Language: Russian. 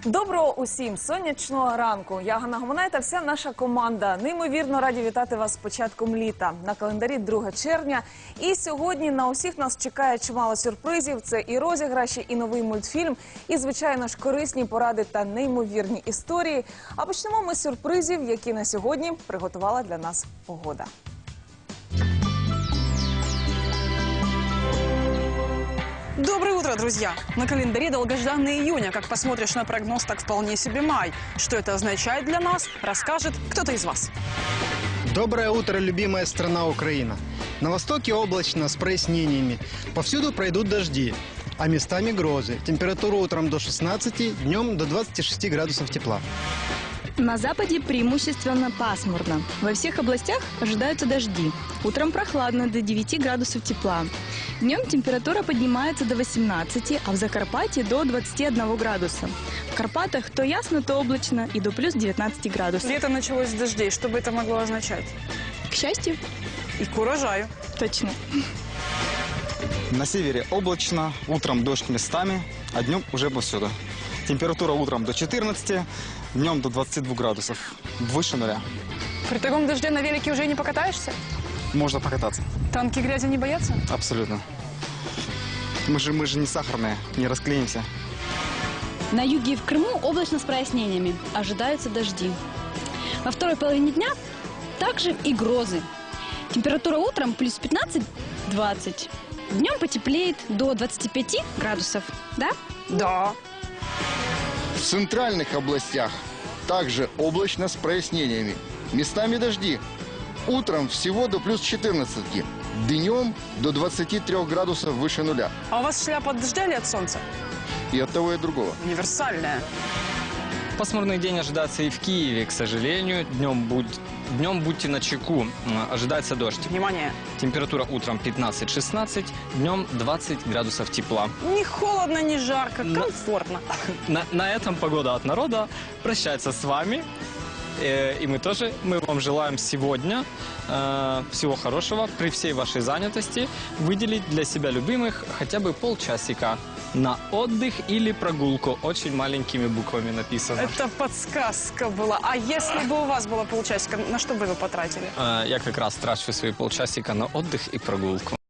Доброго усім сонячного ранку. Я Ганна Гомонай та вся наша команда. Неймовірно раді вітати вас з початком літа. На календарі 2 червня. І сьогодні на усіх нас чекає чимало сюрпризів. Це і розіграші, і новий мультфільм, і, звичайно ж, корисні поради та неймовірні історії. А почнемо ми з сюрпризів, які на сьогодні приготувала для нас погода. Доброе утро, друзья! На календаре долгожданный июнь, а как посмотришь на прогноз, так вполне себе май. Что это означает для нас, расскажет кто-то из вас. Доброе утро, любимая страна Украина. На востоке облачно с прояснениями. Повсюду пройдут дожди, а местами грозы. Температура утром до 16, днем до 26 градусов тепла. На западе преимущественно пасмурно. Во всех областях ожидаются дожди. Утром прохладно до 9 градусов тепла. Днем температура поднимается до 18, а в Закарпатье до 21 градуса. В Карпатах то ясно, то облачно и до плюс 19 градусов. Лето началось с дождей. Что бы это могло означать? К счастью, И к урожаю. точно. На севере облачно, утром дождь местами, а днем уже повсюду. Температура утром до 14, днем до 22 градусов, выше нуля. При таком дожде на велике уже не покатаешься? Можно покататься, Танки грязи не боятся? абсолютно. Мы же не сахарные, не расклеимся. На юге и в Крыму облачно с прояснениями. Ожидаются дожди. Во второй половине дня также и грозы. Температура утром плюс 15-20. Днем потеплеет до 25 градусов. Да? Да. В центральных областях также облачно с прояснениями. Местами дожди. Утром всего до плюс 14. Днем до 23 градусов выше нуля. А у вас шляпа от дождя или от солнца? И от того, и от другого. Универсальная. Пасмурный день ожидается и в Киеве, к сожалению. Днем будьте начеку. Ожидается дождь. Внимание. Температура утром 15-16, днем 20 градусов тепла. Ни холодно, ни жарко. Но- Комфортно. На этом погода от народа прощается с вами. И мы вам желаем сегодня всего хорошего, при всей вашей занятости, выделить для себя любимых хотя бы полчасика на отдых или прогулку. Очень маленькими буквами написано. Это подсказка была. А если бы у вас было полчасика, на что бы вы потратили? Я как раз трачу свои полчасика на отдых и прогулку.